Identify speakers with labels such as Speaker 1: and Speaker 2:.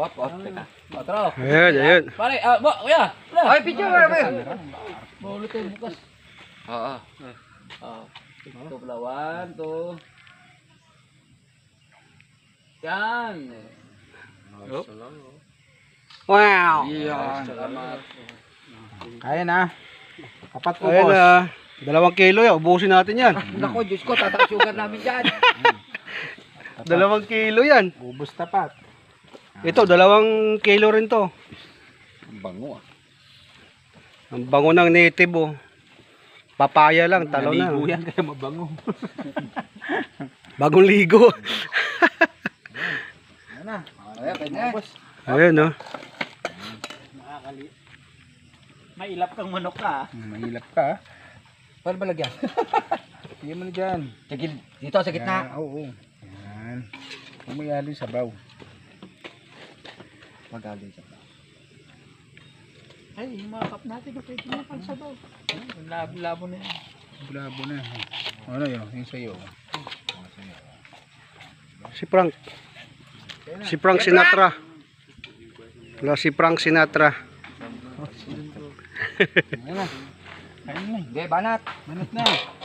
Speaker 1: Teka. Otro.
Speaker 2: Ayun.
Speaker 1: Pare, kuya.
Speaker 3: Ay, picture ba?
Speaker 1: Maulo to bukas. Oo. Ito pala, 1, 2. Yan.
Speaker 2: Wow.
Speaker 1: Salamat.
Speaker 3: Kaya na. Apat po,
Speaker 2: Ayun
Speaker 3: boss.
Speaker 2: na. 2 kilo yan. Ubusin natin yan.
Speaker 3: Nako, Diyos ko, tataas sugar namin dyan.
Speaker 2: 2 kilo yan.
Speaker 3: Ubus tapat.
Speaker 2: Ito, 2 kilo rin to.
Speaker 1: Ang bango
Speaker 2: Ang bango ng native oh. Papaya lang, talo na.
Speaker 3: Naligo yan, kaya mabango.
Speaker 2: Bagong ligo.
Speaker 3: Ano na?
Speaker 1: Kaya, pwede na.
Speaker 2: Ayun oh.
Speaker 3: Mailap kang manok ka. Mailap ka.
Speaker 1: Paano ba lagyan?
Speaker 3: Hindi mo na dyan.
Speaker 1: Dito, sa gitna.
Speaker 3: Yan, oo. Yan. Umayali sa baw.
Speaker 1: Magaling siya.
Speaker 3: Ay, yung mga cup natin, pwede na pang sa baw. Labo na yan. Labo na. Ano yun? Yung sa'yo.
Speaker 2: Si Frank. Si Frank Sinatra. Wala si Frank Sinatra.
Speaker 3: Ayun na. Ayun na.
Speaker 1: Hindi, banat.
Speaker 3: Manot na.